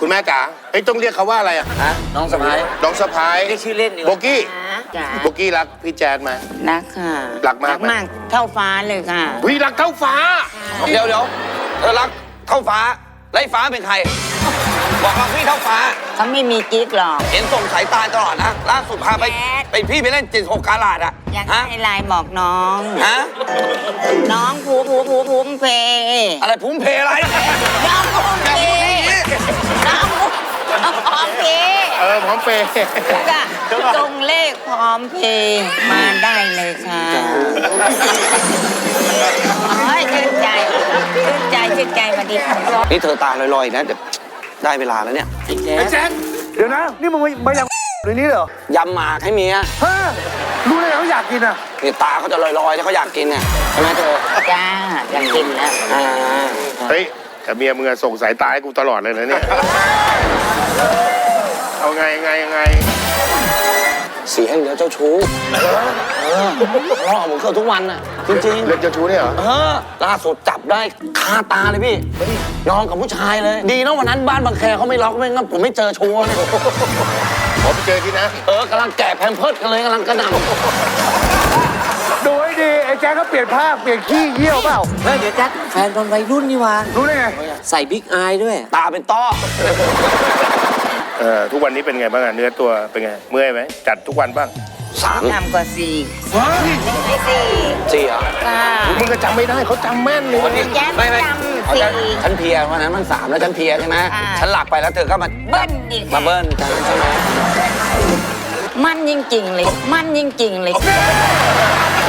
คุณแม่จ๋าเฮ้ยต้องเรียกเขาว่าอะไรอ่ะฮะน้องสะพ้ายน้องสะพ้ายเรียกชื่อเล่นดีกโบว่ากี้จ๋าโบกี้รักพี่แจ๊ดไหมรักค่ะรักมากไหมรักมากเท่าฟ้าเลยค่ะวิรักเท่าฟ้าเดี๋ยวเธอรักเท่าฟ้าไล่ฟ้าเป็นใคร บอกรักพี่เท่าฟ้าเขาไม่มีกิ๊กหรอกเห็นส่งสายตาตลอดนะล่าสุดพาไปแจ๊ดไปพี่ไปเล่น76กาลาดอะอยากฮะให้ไลน์บอกน้องฮะน้องภูมิเพอะไรพุ่มเพอะไรน้องภูมิเพน้องภูมิเพพร้อมเปย์ก็จงเลขพร้อมเพย์มาได้เลยค่ะโอ้ยชื่นใจสวัสดีค่ะนี่เธอตาลอยๆนะเดี๋ยวได้เวลาแล้วเนี่ยไอ้แจ๊ดเดี๋ยวนะ นี่มึงมาอย่างในนี้เหรอยำหมากให้เมียฮะรู้เลยเขาอยากกินอ่ะนี่ตาเขาจะลอยๆถ้าเขาอยากกินเนี่ยใช่ไหมเธอจ้าอยากกินแล้วอ่าเฮ้ยแต่เมียมึงอะส่งสายตาให้กูตลอดเลยนะเนี่ยเอาไงเสียงเดี๋ยวเจ้าชู้ร้องผมเกือบทุกวันน่ะจริงๆเรื่องเจ้าชู้เนี่ยเหรอล่าสุดจับได้คาตาเลยพี่นอนกับผู้ชายเลย ดีนะวันนั้นบ้านบางแคเขาไม่ล็อกไม่งั้นผมไม่เจอชัวร์เลยขอไปเจอที่นะกำลังแกะแพมเพิร์ดกันเลยกำลังกระหน่ำดูให้ดี ไอ้แจ๊คเขาเปลี่ยนผ้าเปลี่ยนขี้เยี่ยวเปล่าเฮ้ยเดี๋ยวแจ็คแฟนตอนวัยรุ่นนี่วะรู้ได้ไงใส่บิ๊กอายด้วยตาเป็นต้อทุกวันนี้เป็นไงบ้างอะเนื้อตัวเป็นไงเมื่อยไหมจัดทุกวันบ้างทำกว่าสี่ไม่สี่สี่เหรอค่ะมึงก็จำไม่ได้เขาจำแม่นเลยวันนี้แจ๊คไม่จำสี่ฉันเพลียวันนั้นมัน3แล้วฉันเพลียใช่ไหมอ่าฉันหลับไปแล้วเธอก็มาเบิ้ลอีกมาเบิ้ลฉันใช่ไหมมันจริงๆเลย